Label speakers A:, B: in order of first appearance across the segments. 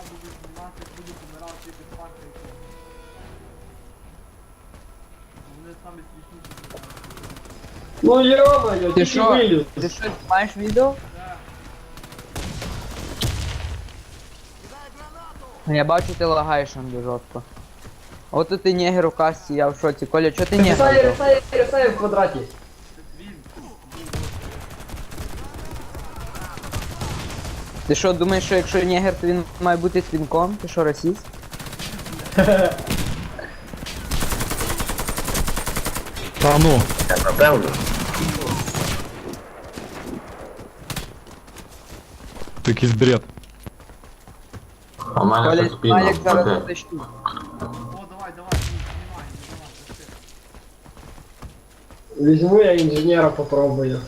A: буду знімати, буду помирати під панкою. Вони самі смішніші.
B: Ну йо-моє,
C: Ти
B: тільки
C: що?
B: виліз.
C: Ти що, знімаєш відео? Я бачу, ти лагаєш там дуже жорстко. От тут ти негер у касті, я в шоці. Коля, чо ти негер?
B: Рисай в квадраті.
C: Ти що, думаєш, що якщо негер, то він має бути твінком? Ти що, расіст?
D: Та ну.
E: Напевно.
D: Це якийсь бред.
E: У мене
C: Коля,
E: тут спільно.
C: Малік зараз
E: Окей.
C: затащу.
A: О, давай, знімай, пошли.
B: Візьму я інженера попробую.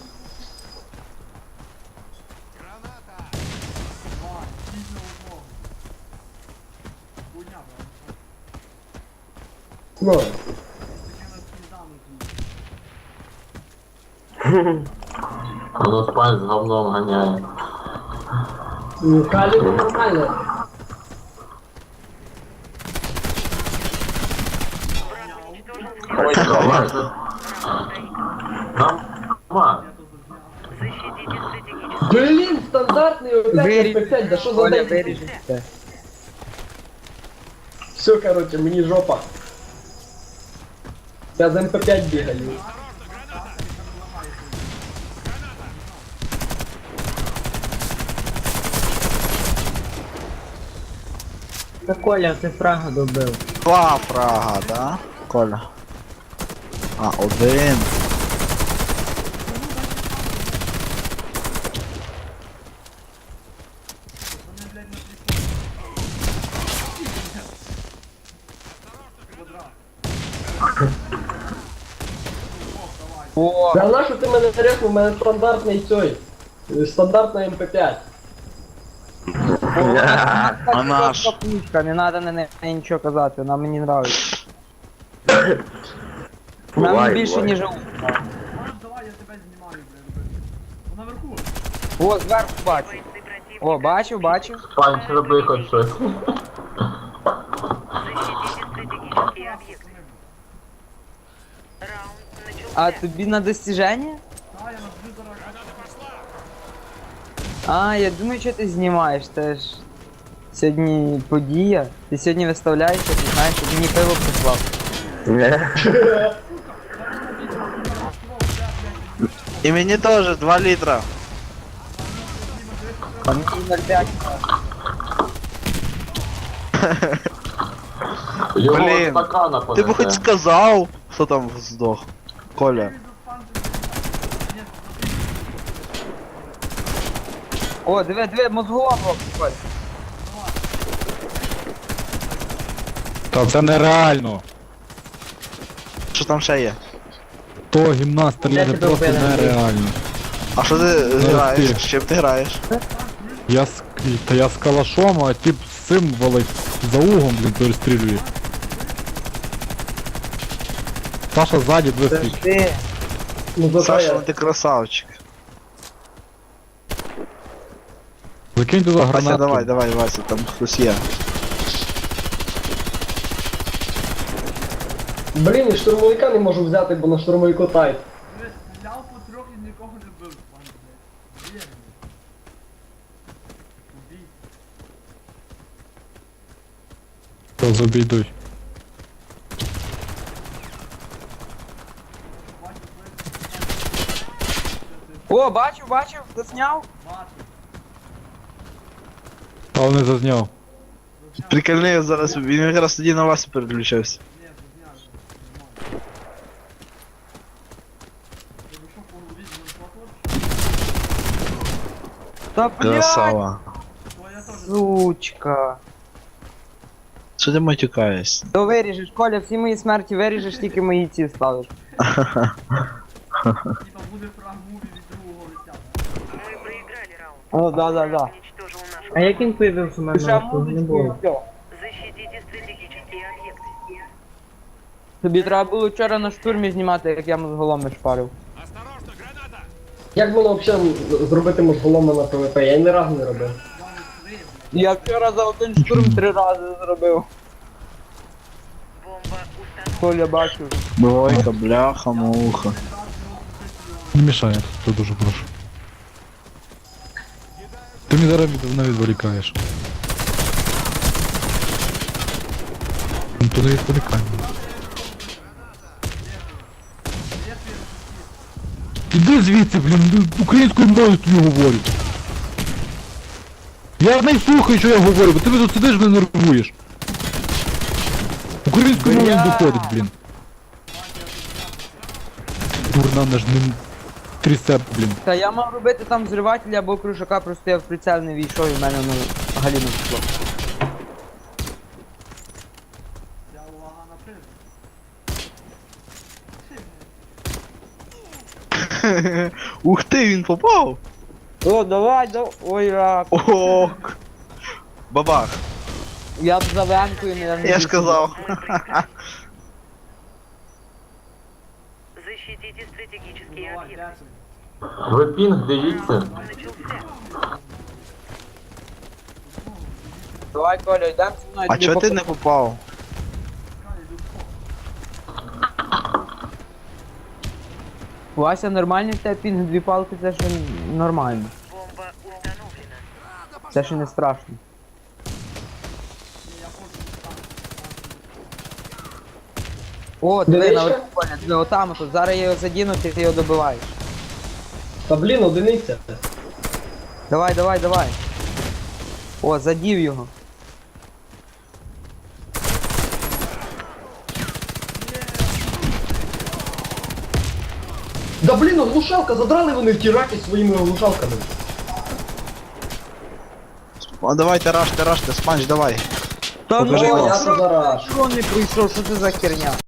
A: Давай, дійсно одного. Хуйня, правда?
B: Ну,
A: Таке на сніданок.
E: Воно спать з говном ганяє.
B: ну калібр нормально.
E: Давай. Нормально.
B: Блін, стандартний опять
C: Виріж.
B: М5, да що за
C: Коля,
B: день?
C: виріжеш це.
B: Все, короче, мені жопа. Я з МП5 бігаю.
F: Та Коля, ти фрага добив.
G: Два фрага, да? Коля. А, один.
C: О,
B: Да на що ти мене заряснув? У мене стандартний цей. Стандартна МП5.
G: А наш.
C: пушка, не надо на неї нічого казати, вона мені нравиться. Вона
E: Буває,
C: мені більше,
E: буває.
C: ніж...
A: Давай, я тебе знімаю, блядь. Наверху.
C: О, зверху бачу. О, бачив, бачив.
E: Пань, роби хоч щось.
C: А тобі на достіження?
A: Та, я нажму зараз.
C: А, я думаю, що ти знімаєш, теж. Сьогодні подія. Ти сьогодні виставляєшся, ти знаєш, щоб мені пиво прислав.
G: І мені теж 2 літра.
C: А мені 0,5.
E: Його
G: Блін,
E: стакана
G: Ти б хоч
E: понесе.
G: сказав, хто там здох. Коля.
C: О, диви, мозголом Коль.
D: Та це нереально.
G: Що там ще є?
D: То гімнаст стріляти
F: тебе
D: просто
F: вбили?
D: нереально.
G: А що ти граєш? З чим ти граєш?
D: Я з калашом, а тип з цим валить за угом, блін, перестрілює. Саша ззаді
C: Це ж
D: висвіт.
C: ти.
B: Ну за
G: Саша,
B: що
G: ну
B: я?
G: ти красавчик.
D: Закинь туди
G: Вася,
D: гранату.
G: давай, Вася, там хтось є.
B: Блін, і штурмовика не можу взяти, бо на штурмовику тайт.
A: Дивись, стріляв по трьох і нікого не бив, пан, блядь. Вірний. Убій.
D: То забійдуй.
C: О, бачив, засняв.
A: Бачу.
D: Але не зазняв.
G: Прикольний зараз, він якраз тоді на вас переключався.
A: Ні, зняв. Нормально. Ти би що, по голові не
C: Та блядь,
G: Красава.
A: То я теж.
C: сучка.
G: Що ти матюкаєшся?
C: То виріжеш, Коля, всі мої смерті виріжеш, тільки мої ці ставиш.
A: Типа буде фраг-муві від другого лиця.
C: О, да.
F: А як він появився у мене?
C: Душа
F: Того не було.
C: музички, Тобі треба було вчора на штурмі знімати, як я мозголоми шпарив.
B: Як було взагалі зробити мозголома на ПВП? Я ні разу не робив.
C: Я вчора за один штурм 3 рази зробив. Коля бачив.
G: Двойка, бляха, муха.
D: Не мішай, я дуже прошу. Ти мені зараз мене відволікаєш. Ну то не відволікай. Іди звідси, блін, українською мовою тобі говорю. Я не слухаю, що я говорю, бо ти тут сидиш, не нервуєш. Українською мовою не доходить, блін. Дурна, наш не трісеп, блін.
C: Та я мав робити там взривателя або кружака, просто я в прицел не війшов і в мене ну галіно пішло.
A: Я увага на призм.
G: Ух ти, він попав!
C: О, давай, ой, рак.
G: Ок! Бабах,
C: Я б за венкою не
G: я ж казав.
H: Защитите стратегические
A: Давай,
H: объекты.
A: дякую.
E: Ви пінг дивіться.
H: Начался.
C: Давай, Коля, йдемо зі мною.
G: А
C: тобі
G: чого ти
C: покажу.
G: не попав?
C: Вася, нормальний в тебе пінг, 2 палки, це ще нормально.
H: Бомба установлена.
C: Це ще не страшно. О, диви,
B: Дивишся?
C: наверху, Коля, диви, отам тут. Зараз я його задіну, ти його добиваєш.
B: Та блін, одиниця.
C: Давай, давай, давай. О, задів його.
B: Да блін, глушалка, задрали вони ті раки своїми глушалками.
G: А давайте раште, спанч, давай.
C: Та
G: Покажи
C: ну,
G: клас.
C: я
B: Зараз.
C: не прийшов, що це за херня?